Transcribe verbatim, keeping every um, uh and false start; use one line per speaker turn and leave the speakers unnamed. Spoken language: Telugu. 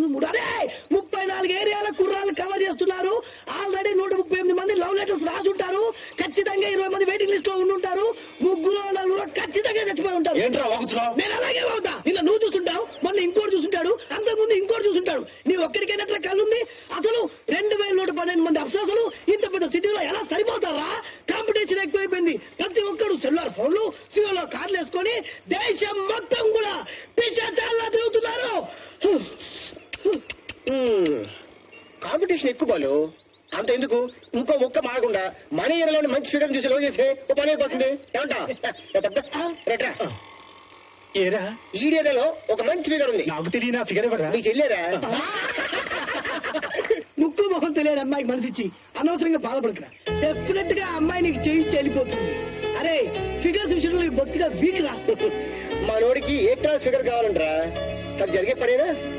మూడు అరే ముప్పై నాలుగు ఏరియాల కుర్రాలు కవర్ చేస్తున్నారు. ఆల్రెడీ నూట ముప్పై ఎనిమిది మంది లవ్ లెటర్స్ రాసుంటారు. ఖచ్చితంగా ఇరవై మంది వెయిటింగ్ లిస్ట్ లో ఉండుంటారు. ముగ్గురు నలుగురు ఖచ్చితంగా చచ్చిపోయి ఉంటారు. నేను అలాగే అవుతా. నిన్న నువ్వు చూస్తుంటావు, మొన్న ఇంకోటి చూస్తుంటాడు, అంతకుముందు ఇంకోటి చూస్తుంటాడు. నీ ఒక్కడికైనట్ల కళ్ళుంది. అసలు రెండు వేల నూట పన్నెండు మంది అప్సరసలు ఇంత పెద్ద సిటీలో ఎలా సరిపోతారా? కాంపిటీషన్ ఎక్కువైపోయింది. ప్రతి ఒక్కడు సెల్లార్ ఫోన్లు సివలో కార్లు వేసుకొని దేశం మొత్తం కూడా పిచ్చాచాలా తిరుగుతున్నారు.
కాంపిటీషన్ ఎక్కువ బాలు. అంత ఎందుకు, ఇంకో మొక్క మారకుండా మన ఏరియాలోని మంచి ఫిగర్ చూసి లో చేస్తే ఓ పని అయిపోతుంది. ఏమంటా ఏరా ఈ ఏరియాలో ఒక మంచి ఫిగర్ ఉంది. నాకు తెలియదు ఆ ఫిగర్ ఎవరా? నీకు చెల్లేరా?
ముక్కు మొహం తెలియని అమ్మాయికి మనసిచ్చి అనవసరంగా బాధపడుతున్నా. డెఫినెట్ గా అమ్మాయి నీకు చేయి చెల్లిపోతుంది. అరే ఫిగర్స్ విషయంలో బొత్తిగా వీక్ రా.
మా నోడికి ఏ క్లాస్ ఫిగర్ కావాలంటరా? అది జరిగే పనేనా?